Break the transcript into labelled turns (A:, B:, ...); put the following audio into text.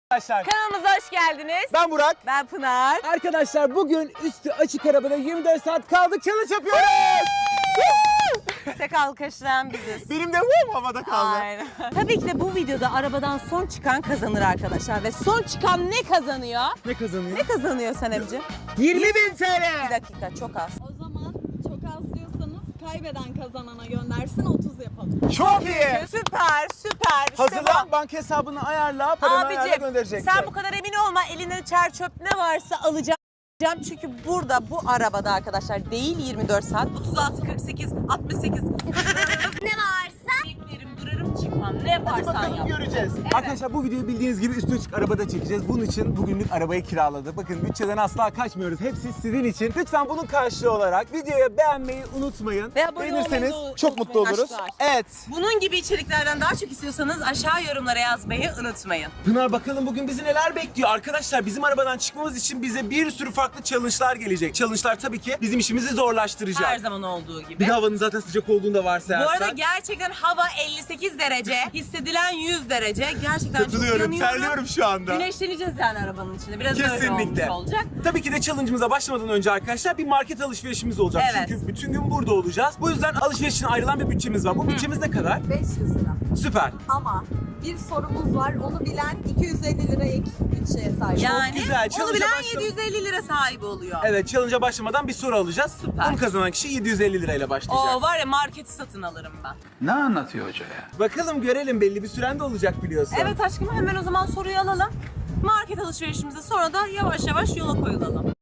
A: Arkadaşlar
B: Kanalımıza hoş geldiniz.
A: ben Burak.
B: Ben Pınar.
A: Arkadaşlar bugün üstü açık arabada 24 saat kaldık challenge yapıyoruz.
B: Tek alkışlayan biziz.
A: Benim de havada kaldı.
B: Aynen. Tabii ki de bu videoda arabadan son çıkan kazanır arkadaşlar. Ve son çıkan ne kazanıyor?
A: Ne kazanıyor?
B: Ne kazanıyor Sanemciğim?
A: 20.000 TL.
B: Bir dakika, çok az.
C: O zaman çok az diyorsanız kaybeden kazanana göndersin 30 yapalım.
A: Çok iyi.
B: Süper, süper. İşte
A: Hazırlan, banka hesabını ayarla,
B: bu.
A: paranı ayarla
B: Abicim,
A: göndereceksin.
B: sen bu kadar emin olma. Elinde çer çöp ne varsa alacağım. Çünkü burada bu arabada arkadaşlar değil 24 saat 36 48 68 ne varsa beklerim durarım çıkmam ne yaparsan
A: Bakalım
B: yap.
A: göreceğiz. Arkadaşlar bu videoyu bildiğiniz gibi üstü açık arabada çekeceğiz. Bunun için bugünlük arabayı kiraladık. Bakın bütçeden asla kaçmıyoruz. Hepsi sizin için. Lütfen bunun karşılığı olarak videoyu beğenmeyi unutmayın.
B: Ve abone
A: Beğenirseniz
B: olmayı da
A: çok mutlu
B: unutmayın.
A: oluruz.
B: Aşklar.
A: Evet.
B: Bunun gibi içeriklerden daha çok istiyorsanız aşağı yorumlara yazmayı unutmayın.
A: Pınar bakalım bugün bizi neler bekliyor. Arkadaşlar bizim arabadan çıkmamız için bize bir sürü farklı challenge'lar gelecek. Challenge'lar tabii ki bizim işimizi zorlaştıracak.
B: Her zaman olduğu gibi.
A: Bir de havanın zaten sıcak olduğunu da
B: Bu
A: varsayarsak.
B: arada gerçekten hava 58 derece, hissedilen 100 derece. Gerçekten çok
A: Katılıyorum,
B: yanıyorum.
A: terliyorum şu anda.
B: Güneşleneceğiz yani arabanın içinde. Biraz öyle
A: Kesinlikle.
B: olmuş olacak.
A: Tabii ki de challenge'ımıza başlamadan önce arkadaşlar bir market alışverişimiz olacak.
B: Evet.
A: Çünkü bütün gün burada olacağız. Bu yüzden alışveriş için ayrılan bir bütçemiz var. Bu bütçemiz ne kadar?
C: 500 lira.
A: Süper.
C: Ama bir sorumuz var. Onu bilen 250 lira ek bütçeye sahip.
B: Yani
A: güzel,
B: onu
A: challenge'a
B: bilen
A: başla-
B: 750 lira sahibi oluyor.
A: Evet, challenge'a başlamadan bir soru alacağız.
B: Süper.
A: Bunu kazanan kişi 750 lirayla başlayacak.
B: Oo var ya marketi satın alırım ben.
D: Ne anlatıyor hoca ya?
A: Bakalım görelim, belli bir süren de olacak biliyorsun.
B: Evet aşkım hemen o zaman soruyu alalım. Market alışverişimize sonra da yavaş yavaş yola koyulalım.